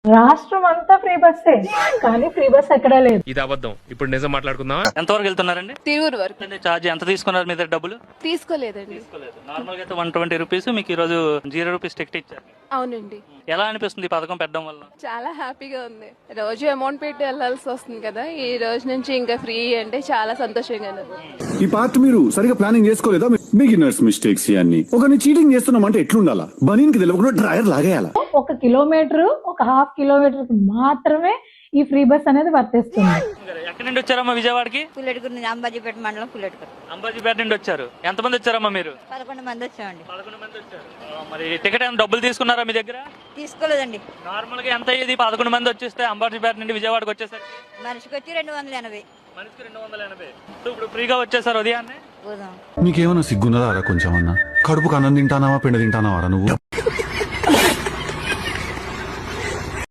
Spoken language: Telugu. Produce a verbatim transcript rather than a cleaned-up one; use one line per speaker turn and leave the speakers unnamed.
రాష్ట్రం అంతా ఫ్రీ బస్సే, కానీ ఫ్రీ బస్ ఎక్కడా లేదు.
ఇది అబద్ధం. ఇప్పుడు నిజం మాట్లాడుకుందాం.
ఎంతవరకు వెళ్తున్నారండి?
తిరువురు వరకు.
అంటే ఛార్జ్ ఎంత తీసుకున్నారు మీ దగ్గర డబ్బులు?
తీసుకోలేదండి.
తీసుకోలేదు. నార్మల్ గా అయితే వన్ ట్వంటీ రూపీస్, మీకు ఈ రోజు జీరో రూపీస్ టికెట్ ఇచ్చారు.
అవునండి.
ఎలా అనిపిస్తుంది ఈ పథకం పెట్టడం వల్ల?
చాలా హ్యాపీగా ఉంది. రోజు అమౌంట్ పెట్టి వెళ్ళాల్సి వస్తుంది కదా, ఈ రోజు నుంచి ఇంకా ఫ్రీ అంటే చాలా సంతోషంగా ఉంది.
ఈ పార్ట్ మీరు సరిగా ప్లానింగ్ చేసుకోలేదా? బిగినర్స్ మిస్టేక్స్ ఇవన్నీ. ఒకరిని చీటింగ్ చేస్తున్నామంటే ఎట్లుండాలా? బనీన్ కి తెలియకుండా డ్రైవర్ లాగేయాలా?
ఒక కిలోమీటర్ ఒక హాఫ్ కిలోమీటర్ మాత్రమే ఈ ఫ్రీ బస్ అనేది వర్తిస్తుంది.
ఎక్కడి నుండి వచ్చారమ్మా విజయవాడకి?
పుల్లెటూరు నుంచి, అంబాజీపేట మండలం పుల్లెటూరు.
అంబాజీపేట నుండి వచ్చారు. ఎంతమంది వచ్చారమ్మా మీరు?
పదకొండు మంది వచ్చామండి.
పదకొండు మంది వచ్చారు. ఆ, మరి టికెట్ ఏమైనా డబ్బులు తీసుకున్నారా మీ దగ్గర?
తీసుకోలేదండి.
నార్మల్ గా ఎంత అయ్యేది పదకొండు మంది వచ్చేస్తే అంబాజీపేట నుండి విజయవాడకి వచ్చేసరికి?
మనిషికి వచ్చి రెండు వందల ఎనభై.
మనిషికి రెండు వందల ఎనభై. ఇప్పుడు ఫ్రీగా వచ్చేసారు ఉదయాన్నే.
నీకేమన్నా సిగ్గున్నదా కొంచెం అన్నా? కడుపుకు అన్నం తింటానావా పిండి తింటానావారా నువ్వు?